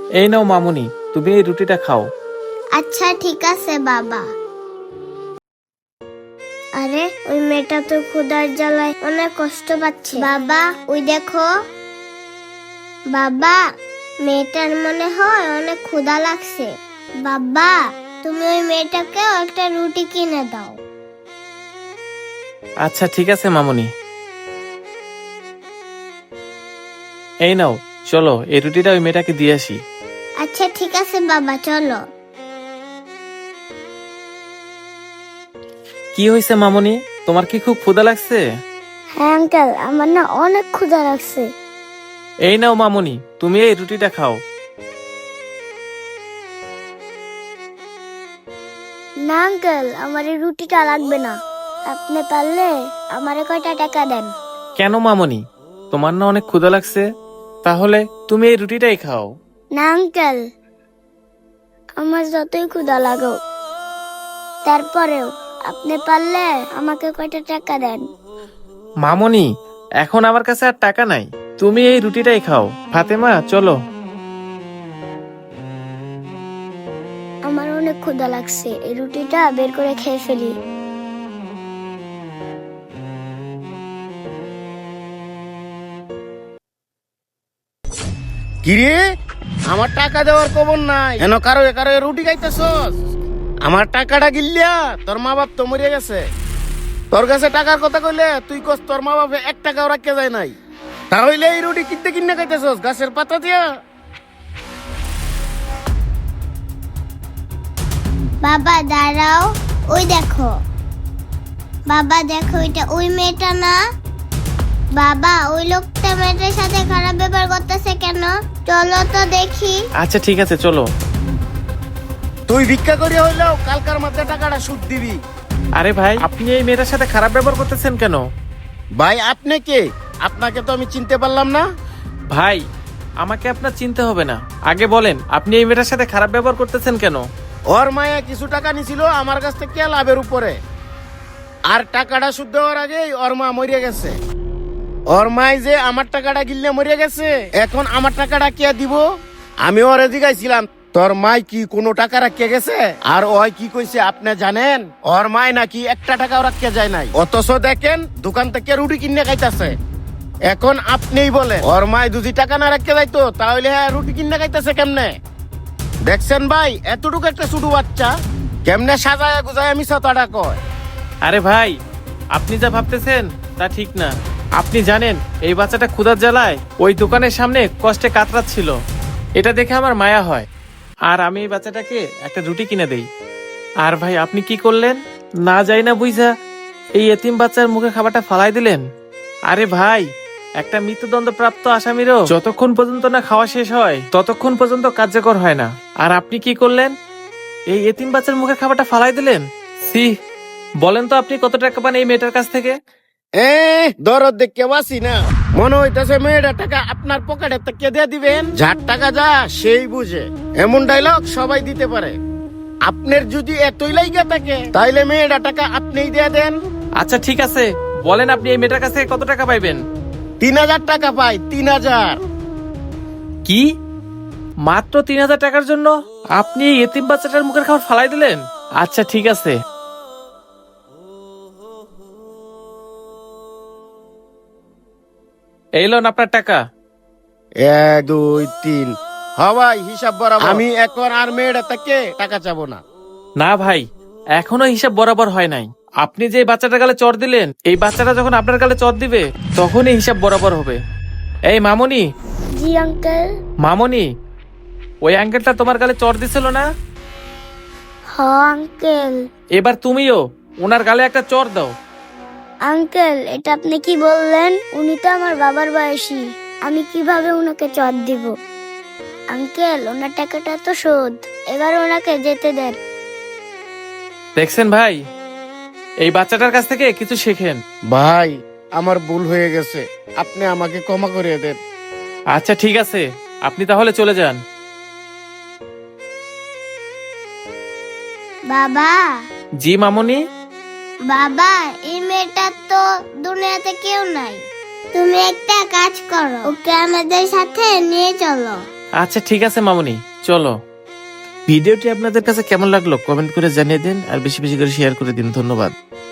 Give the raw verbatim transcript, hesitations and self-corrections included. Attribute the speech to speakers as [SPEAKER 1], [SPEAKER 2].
[SPEAKER 1] এই নাও মামুনি, তুমি এই রুটিটা খাও।
[SPEAKER 2] আচ্ছা ঠিক আছে বাবা। আরে ওই মেয়েটা তো ক্ষুধার জ্বালায় অনেক কষ্ট পাচ্ছে। বাবা ওই দেখো, বাবা মেয়েটার মনে হয় অনেক ক্ষুধা লাগছে। বাবা তুমি ওই মেয়েটাকে একটা রুটি কিনে দাও।
[SPEAKER 1] আচ্ছা ঠিক আছে মামুনি। এই নাও, চলো এই রুটিটা ওই মেয়েটাকে দিয়ে আসি।
[SPEAKER 2] আচ্ছা ঠিক আছে বাবা, চলো।
[SPEAKER 1] কি হয়েছে মামুনি, তোমার কি খুব ক্ষুধা লাগছে?
[SPEAKER 2] হ্যাঁ আঙ্কেল, আমার না অনেক ক্ষুধা লাগছে।
[SPEAKER 1] এই নাও মামুনি, তুমি এই রুটিটা খাও।
[SPEAKER 2] না আঙ্কেল, আমার এই রুটিটা লাগবে না। আপনি পারলে আমারে কয়টা টাকা দেন।
[SPEAKER 1] কেন মামুনি, তোমার না অনেক ক্ষুধা লাগছে? তাহলে তুমি এই রুটিটাই খাও।
[SPEAKER 2] না আঙ্কেল, আমার যতই ক্ষুধা লাগো, তারপরেও আপনি পারলে আমাকে কয়টা টাকা দেন।
[SPEAKER 1] মামুনি, এখন আমার কাছে আর টাকা নাই, তুমি এই রুটিটাই খাও। ফাতেমা চলো।
[SPEAKER 2] আমার অনেক ক্ষুধা লাগছে, এই রুটিটা বের করে খেয়ে ফেলি।
[SPEAKER 3] কিরে, আমার টাকা দেওয়ার খবর নাই, এন কারো কারো রুটি খাইতেছস? আমার টাকাটা গিল্লিয়া তোর মা বাপ তো মরে গেছে। তোর কাছে টাকার কথা কইলে তুই কস তোর মা বাপে এক টাকাও রাখতে যায় নাই। তাহলে এই রুটি কিনতে কিনে খাইতেছস গাছের পাতা দিয়া?
[SPEAKER 2] বাবা দাঁড়াও, ওই দেখো। বাবা দেখো, এটা ওই মেয়েটা না? বাবা ওই লোকটা মেয়েটার সাথে খারাপ ব্যবহার করতেছে কেন? চলো তো দেখি।
[SPEAKER 1] আচ্ছা ঠিক আছে চলো।
[SPEAKER 3] তুই ভিক্ষা করিয়া হইলেও কালকার মধ্যে টাকাটা সুদ দিবি।
[SPEAKER 1] আরে ভাই, আপনি এই মেয়েটার সাথে খারাপ ব্যবহার করতেছেন কেন?
[SPEAKER 3] ভাই আপনি কে? আপনাকে তো আমি চিনতে পারলাম না।
[SPEAKER 1] ভাই, আমাকে আপনার চিনতে হবে না, আগে বলেন আপনি এই মেয়েটার সাথে খারাপ ব্যবহার করতেছেন কেন?
[SPEAKER 3] ওর মায়া কিছু টাকা নিছিল আমার কাছ থেকে লাভের উপরে, আর টাকাটা শুদ্ধ হওয়ার আগেই ওর মা মরিয়া গেছে। ওর মাই যে আমার টাকাটা গিললে মরিয়া গেছে, এখন আমার টাকাটা কে দিব? আমি ওরে জিগাইছিলাম তোর মাই কি কোনো টাকা রাখিয়ে গেছে, আর ওই কি কইছে আপনি জানেন? ওর মাই নাকি একটা টাকাও রাখিয়ে যায় নাই, অথচ দেখেন দোকান থেকে রুটি কিনে খাইতেছে। এখন আপনিই বলেন, ওর মাই যদি টাকা না রাখিয়ে যাইতো তাহলে হ্যাঁ রুটি কিনে খাইতেছে কেমনে? দেখছেন ভাই, এতটুকু একটা ছোট বাচ্চা কেমনে সাজায় গুজায় আমি সাতাটা কয়।
[SPEAKER 1] আরে ভাই, আপনি যা ভাবতেছেন তা ঠিক না। আপনি জানেন এই বাচ্চাটা ক্ষুধার জ্বালায় ওই দোকানের সামনে কষ্টে কাতরাচ্ছিল, এটা দেখে আমার মায়া হয়, আর আমি এই বাচ্চাটাকে একটা রুটি কিনে দেই। আর ভাই আপনি কি করলেন, না যাই না বুঝা এই এতিম বাচ্চার মুখে খাবারটা ফালাই দিলেন। আরে ভাই, একটা মৃত্যুদণ্ড প্রাপ্ত আসামিরও যতক্ষণ পর্যন্ত না খাওয়া শেষ হয় ততক্ষণ পর্যন্ত কার্যকর হয় না, আর আপনি কি করলেন, এই এতিম বাচ্চার মুখে খাবারটা ফালাই দিলেন। সি, বলেন তো আপনি কত টাকা পান এই মেয়েটার কাছ থেকে?
[SPEAKER 3] এ দরদ দেখে বাসি না, মনে হইতেছে মেয়েটা টাকা আপনার পকেটে থেকে দিয়ে দিবেন। যার টাকা যা সেই বুঝে, এমন ডায়লগ সবাই দিতে পারে। আপনার যদি এতই লাইগা থাকে তাইলে মেয়েটা টাকা আপনিই দিয়ে দেন।
[SPEAKER 1] আচ্ছা ঠিক আছে, বলেন আপনি এই মেয়েটার কাছ থেকে কত টাকা পাইবেন?
[SPEAKER 3] তিন হাজার টাকা পাই, তিন হাজার।
[SPEAKER 1] কি, মাত্র তিন হাজার টাকার জন্য আপনি এই এতিম বাচ্চাটার মুখের খাবার ফালাই দিলেন? আচ্ছা ঠিক আছে, এই লোন আপনার টাকা।
[SPEAKER 3] এক দুই তিন, হবাই হিসাব বরাবর। আমি এখন আর মেয়েটা থেকে টাকা চাবো না।
[SPEAKER 1] না ভাই, এখনো হিসাব বরাবর হয় নাই। আপনি যে এই বাচ্চাটার গালে চড় দিলেন, এই বাচ্চাটা যখন আপনার গালে চড় দিবে তখনই হিসাব বরাবর হবে। এই মামুনি,
[SPEAKER 2] জি আঙ্কেল।
[SPEAKER 1] মামুনি, ওই আঙ্কেলটা তোমার গালে চড় দিছিল না?
[SPEAKER 2] হ আঙ্কেল।
[SPEAKER 1] এবার তুমিও ওনার গালে একটা চড় দাও।
[SPEAKER 2] আঙ্কেল এটা আপনি কি বললেন? উনি তো আমার বাবার বয়সী, আমি কিভাবে ওনাকে চট দিব? আঙ্কেল ওনার টাকাটা তো শোধ, এবার ওনাকে যেতে দেন।
[SPEAKER 1] দেখছেন ভাই, এই বাচ্চাটার কাছ থেকে কিছু শেখেন।
[SPEAKER 3] ভাই আমার ভুল হয়ে গেছে, আপনি আমাকে ক্ষমা করে দেন।
[SPEAKER 1] আচ্ছা ঠিক আছে, আপনি তাহলে চলে যান।
[SPEAKER 2] বাবা,
[SPEAKER 1] জি মামুনি।
[SPEAKER 2] বাবা এই মেয়েটার তো দুনিয়াতে কেউ নাই, তুমি একটা কাজ করো, ওকে আমাদের সাথে নিয়ে চলো।
[SPEAKER 1] আচ্ছা ঠিক আছে মামুনি, চলো। ভিডিওটি আপনাদের কাছে কেমন লাগলো কমেন্ট করে জানিয়ে দিন, আর বেশি বেশি করে শেয়ার করে দিন। ধন্যবাদ।